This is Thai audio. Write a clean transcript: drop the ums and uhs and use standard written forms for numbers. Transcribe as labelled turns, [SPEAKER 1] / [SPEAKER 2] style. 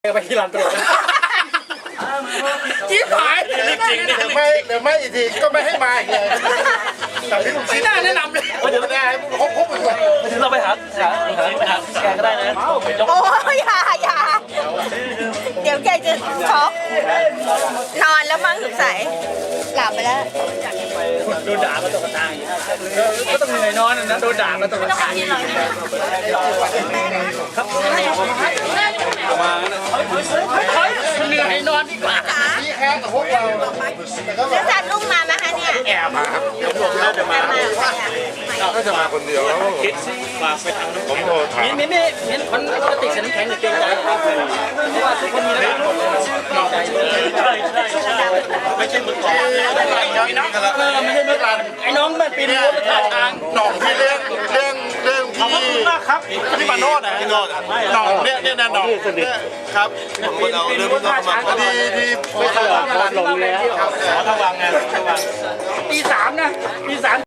[SPEAKER 1] ไปที่ร้านตลกจิ๊บหายจริงๆเดี๋ยวไม่อีกทีก็ไม่ให้มาอีกเลยแต่ที่น่าแนะนำเลยเดี๋ยวได้ครบอีกเลยถึงเราไปหาแกก็ได้นะ
[SPEAKER 2] โอ้ยอย่าเดี๋ยวแกจะช็อกนอนแล้วมั้งสงสัยหลับไปแล้ว
[SPEAKER 1] โดนด่ามาตกทางก็ต้องเหนื่อยนอนนะโดนด่ามาตกทางครับมาเหนื่อยนอนดีกว่าพี่แค่กับพวกเรา
[SPEAKER 2] แล้วจัดลุงมาไหมคะเนี่ย
[SPEAKER 1] แอบมาครับ
[SPEAKER 3] ก็จะมาคนเดียวแล้ว
[SPEAKER 1] คิดฝากไปทางน้องผมโทรถามมิ้นคนปกติฉันแข็งหรือเกรงใจเพราะว่าทุกคนมีระดับใช่ไม่ใช่มือก่อนไอ้น้องไม่ใช่มือก่อนไอ้น้องมันปีนรั้วมาท่าทาง
[SPEAKER 3] หน่องที่เรื่อง
[SPEAKER 1] ขอบคุณมากครับที่มาโนดนะหน่องเนี่ยหน่องครับ
[SPEAKER 3] คนเราเรื่องมันก็มา
[SPEAKER 1] ที่ไม่เคยลงแล้วขอระวังไงตี 3นะตี 3